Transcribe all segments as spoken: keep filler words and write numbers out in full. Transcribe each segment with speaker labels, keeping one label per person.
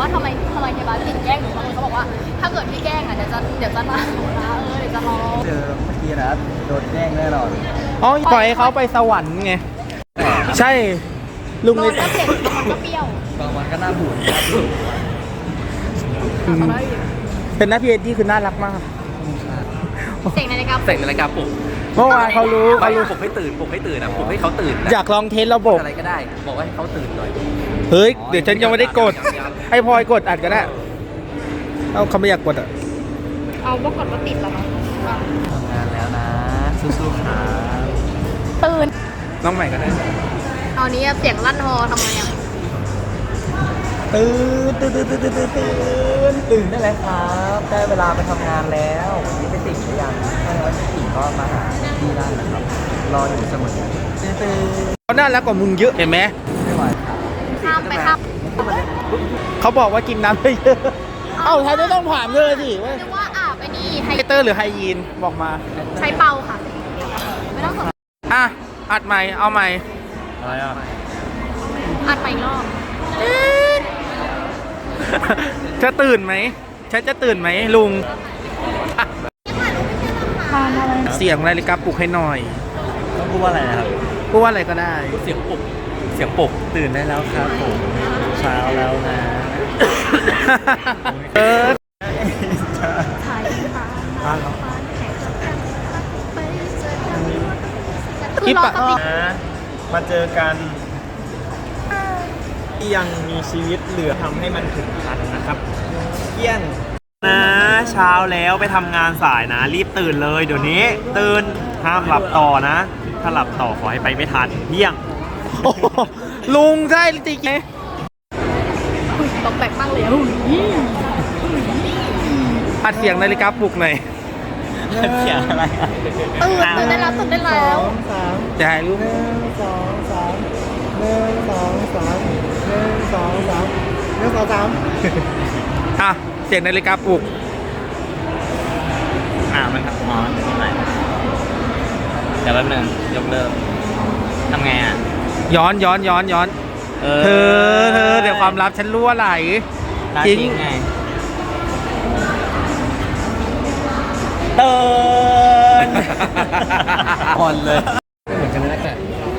Speaker 1: ว่าทำไมทำไมเฮียบาสติดแกล้งหนูบางคนเขาบอกว่าถ้าเกิดพี่แกล้งอ่ะเดี๋ยวจะเดี๋ยวจะมาหนูนะเออเดี๋ยวจะรอ
Speaker 2: เจอเมื่อกี้นะโดนแกล้งแน่นอน
Speaker 3: อ๋อปล่อยให้เขาไปสวรรค์ไงใช่ลุง
Speaker 1: โด
Speaker 3: เล
Speaker 1: น
Speaker 3: ย
Speaker 1: ก็เผ็ดโดนก็เปรี้ยว
Speaker 2: บางวันก็น่าบูด
Speaker 3: เป็นหน้าพี่เอ็ดดี้คือน่ารักมาก
Speaker 1: เสียงนาฬิกา
Speaker 4: เสร็จนาฬิกาปลุก
Speaker 3: เมื่อวานเขารู้
Speaker 4: ไม่
Speaker 3: เขารู้
Speaker 4: ปลุกให้ตื่นปลุกให้ตื่นนะปลุกให้เขาตื่นนะ
Speaker 3: อยากลองเทสระบบ
Speaker 4: อะไรก็ได้ บอกว่าให้เขาตื่นหน่อย
Speaker 3: เฮ้ยเดี๋ยวฉันยังไม่ได้กดให้พลอยกดอัดก็ได้เอาเขาไม่อยากกดอ่ะ
Speaker 1: เอาว่ากดว่าติดแล้วเนาะ
Speaker 2: ทำงานแล้วนะสู้ๆครับ
Speaker 1: ตื่น
Speaker 3: น้องใหม่ก็ได้
Speaker 1: เอานี้เสียงลั่นฮอทำไมอ่ะ
Speaker 3: ตื่นตื่นตื่นตื่นตื่นตื่น
Speaker 2: ตื่นได้แล้วครับได้เวลาไปทำงานแล้ววันนี้ไปติ่งหรือยังถ้าไม่ติ่งก็มาหาที่ได้นะครับ รออยู่เสมอตื่น
Speaker 3: เขาน่ารักกว่ามึงเยอะเห็นไหม
Speaker 2: ไม่ไหวครับ
Speaker 1: ข้ามไปข้าม
Speaker 3: เขาบอกว่ากินน้ำเยอะเอ้าแทนจะต้องถามเลยสิว่า
Speaker 1: เรียกว่าอาบไอ้นี่ไฮ
Speaker 3: ไฮเตอร์หรือไฮยีนบอกมา
Speaker 1: ใช้เป่าค่ะไม่ต้องสน
Speaker 3: อ่ะอัดใหม่เอาใหม่
Speaker 2: อะไรอ่ะ
Speaker 1: อัดไปอีกรอบ
Speaker 3: จะตื่นไหมฉันจะตื่นไหมลุงอ่ะเสียงนาฬิกาปลุกให้หน่อย
Speaker 2: ต้องพูดว่าอะไรนะครับ
Speaker 3: พูดว่าอะไรก็ได้
Speaker 4: เสียงปลุกเสียงปลุก
Speaker 2: ตื่นได้แล้วครับผมเช้าแล้วนะ
Speaker 3: เออ
Speaker 1: ถ่ายค่ะ
Speaker 3: คลิปอะ
Speaker 5: นะมาเจอกันที่ยังมีชีวิตเหลือทำให้มันถึงพันนะครับเยี่ยงนะเช้าแล้วไปทำงานสายนะ รีบตื่นเลยเดี๋ยวนี้ตื่นห้ามหลับต่อนะ ถ้าหลับต่อขอให้ไปไม่ทันเยี่ยง
Speaker 3: โอ้โหลุงใช่จริงไหม
Speaker 1: ตกแปลกมากเลย
Speaker 3: อัดเสียงนาฬิกาปลุกหน่อย
Speaker 2: เขียนอะไรอ่ะ
Speaker 1: ตื่นตื่นได้แล้วตื่นได้แล้ว
Speaker 2: สาม
Speaker 3: จะให้ลุง
Speaker 2: หนึ่งสองสามหนึ่งสองสามหนึ่งสองสามหนึ่งสองสาม
Speaker 3: อ่ะเสียงนาฬิกาปลุก
Speaker 4: อ่ามันครับอ๋อนี่ใหม่เดี๋ยวแป๊บนึงยกเลิกทำไงอ่ะ
Speaker 3: ย้อนย้อนย้อนย้อนเธอเธอเดี๋ยวความลับฉันรั่วไหล
Speaker 4: จริงไงตื่น
Speaker 2: อ่อนเลย
Speaker 4: เหมือนกันเลยแก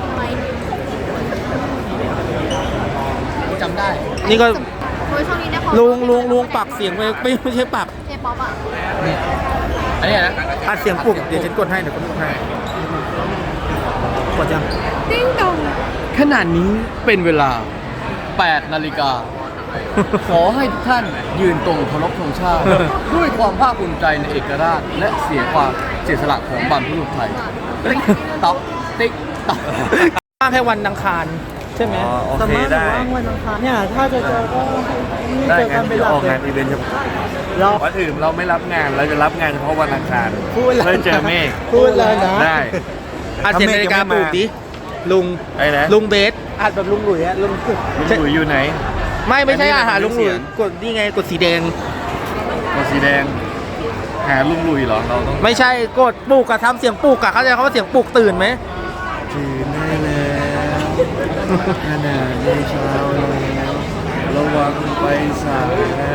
Speaker 2: จำได้
Speaker 3: นี่ก็
Speaker 1: โอ้ยช่วงนี้เนี่ยเขา
Speaker 3: ลุงลุงลุงปรับเสียงไปไม่ไม่ใช่ปรับ
Speaker 1: เจป๊อปอ่ะ
Speaker 4: อันนี้นะ
Speaker 3: อัดเสียงปลุกเดี๋ยวฉันกดให้เดี๋ยวกดให้กดยัง
Speaker 1: ติ้งดอง
Speaker 4: ขนาดนี้เป็นเวลาแปดนาฬิกา ขอให้ทุกท่านยืนตรงเคารพธงชาติ ด้วยความภาคภูมิใจในเอกราช และเสียความเสียสละของบรรพบุรุษไทยติ๊กต๊อกติ๊กต๊อก
Speaker 3: ว่างแค่วันอังคารใช่ไหม
Speaker 2: อ๋อโอเคได้
Speaker 3: วันอังคารเนี่ยถ้าจะเจอก็
Speaker 2: ได้งั้นเดี๋ยวออกงานอีเวนต์เฉพาะ
Speaker 3: เรา
Speaker 5: วันอื่นเราไม่รับงานเราจะรับงานเฉพาะวันอังคาร
Speaker 3: พูดเลย
Speaker 5: เพื่อเจอเมฆ
Speaker 3: พูดเลยนะ
Speaker 5: ได้
Speaker 3: อัดเสียงนาฬิกาปลุกดิลุง
Speaker 5: ไอ้นะ
Speaker 3: ลุงเบสอัดแบบลุงหลุยอะลุง
Speaker 5: ลุงหลุยอยู่ไหน
Speaker 3: ไม่ไม่ใช่
Speaker 5: อันนี้
Speaker 3: อาหารลุงหลุย
Speaker 5: เสียง
Speaker 3: กดนี่ไงกดสีแดง
Speaker 5: ตัวสีแดง หาลุงหลุยเหรอเราต้อง
Speaker 3: ไม่ใช่กดปลุกอะทำเสียงปลุกอะเข้าใจเขาว่าเสียงปลุกตื่นไหม
Speaker 2: ตื่นได้แล้วขนาดในเช้าแล้วระวังไปสาย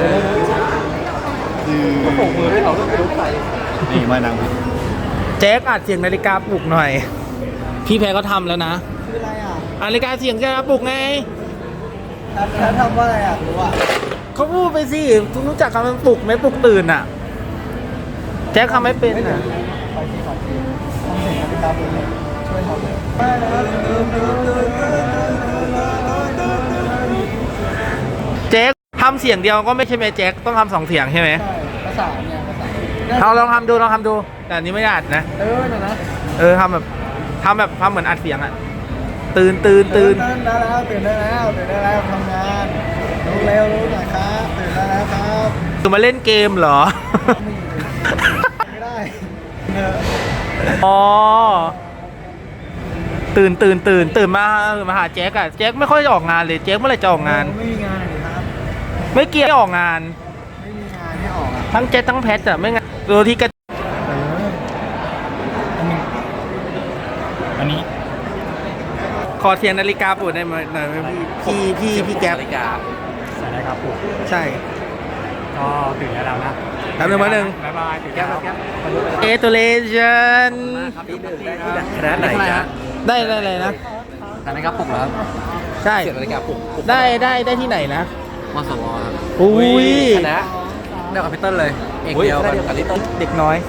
Speaker 2: ตื่นก็ปกมือให้เราต้องรู้ใครนี่มานั่ง
Speaker 3: แจ็คอัดเสียงนาฬิกาปลุกหน่อย พี่แพรก็ทำแล้วนะ
Speaker 2: คืออะไรอ่ะ
Speaker 3: นาฬิกาเสียงนาฬิกาปลุกไง
Speaker 2: แล้วทำว่าอะไรอ่ะรู้อ่ะ
Speaker 3: เขาพูดไปสิคุณรู้จักคำว่าปลุกไหมปลุกตื่นอะแจ็คทำไม่เป็นอะ
Speaker 2: ขอทีขอทีทำเสียงนาฬิกาปลุกช่วยทำเลย
Speaker 3: แจ็คทำเสียงเดียวก็ไม่ใช่ไหมแจ็คต้องทำสองเสียงใช่ไหม
Speaker 2: ใช่ภาษาเนี่ยภาษา
Speaker 3: เราลองทำดูลองทำดู แต่อันนี้ไม่ได้อัดนะ
Speaker 2: เออนะนะ
Speaker 3: เออทำแบบทำแบบทำเหมือนอัดเสียงอะตื่นตื่นตื่น
Speaker 2: ตื่นได้แล้วตื่นได้แล้วตื่นได้แล้วทำงานรู้เร็วรู้หน่อยครับตื่นได้แล้วครับ
Speaker 3: คือมาเล่นเกมเหรอ
Speaker 2: ไม่ได้
Speaker 3: อ๋อตื่นตื่นตื่นตื่นมามาหาแจ็คอะแจ็คไม่ค่อยจะออกงานเลยแจ็คเมื่อไหรจะออกงาน
Speaker 2: ไม่มีงานเลยครับ
Speaker 3: ไม่เกี่ยวไม่ออกงาน
Speaker 2: ไม่มีงานให้ออกอ่ะ
Speaker 3: ทั้งแจ็คทั้งแพทอะไม่งั้นโดยที่กระ
Speaker 5: อันนี้
Speaker 3: ขอเสียงนาฬิกาปลุกได้ไหมหน่อยไหมพี่พี่พี่พี่แก๊ป
Speaker 4: นาฬิกา
Speaker 2: ใส่ได้นะครับผม
Speaker 3: ใช่
Speaker 2: ก็ตื่นแล้วนะ
Speaker 3: แป๊บนึงแป๊บนึง
Speaker 2: บ๊ายบายตื่นแล้ว
Speaker 3: เอตูเลชัน
Speaker 2: ที่หนึ่งได้ที่คณะไหนจ๊ะ
Speaker 3: ได้ได้อะไรนะ
Speaker 4: แต่นะครับปลุกแล้ว
Speaker 3: ใช่
Speaker 2: เสียงนาฬิกาปลุก
Speaker 3: ได้ได้ได้ที่ไหนนะ
Speaker 4: มสวครับ
Speaker 3: อุ้ย
Speaker 2: คณะ
Speaker 4: เดียวกับพี่เติ้ลเลย เอก
Speaker 2: อุ้ย
Speaker 4: เดียว
Speaker 2: ค
Speaker 4: กั
Speaker 2: ณะ
Speaker 4: น
Speaker 2: เดียวกับลิตเติ้ล
Speaker 3: เด็กน้อย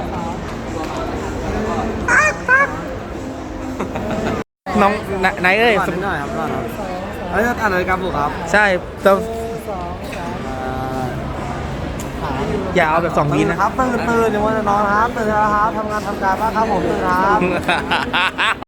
Speaker 3: น้องไหนไหนเอ้ย
Speaker 2: นิดหน่อยครับครับเฮ้ยอ่านนาฬิกาปลุกครับ
Speaker 3: ใช่ต้องอย่าเอาแบบสองวินะ
Speaker 2: ครับตื่นตื่นอย่าว่าจะนอนครับตื่นแล้วครับทำงานทำการบ้างครับผมตื่นครับ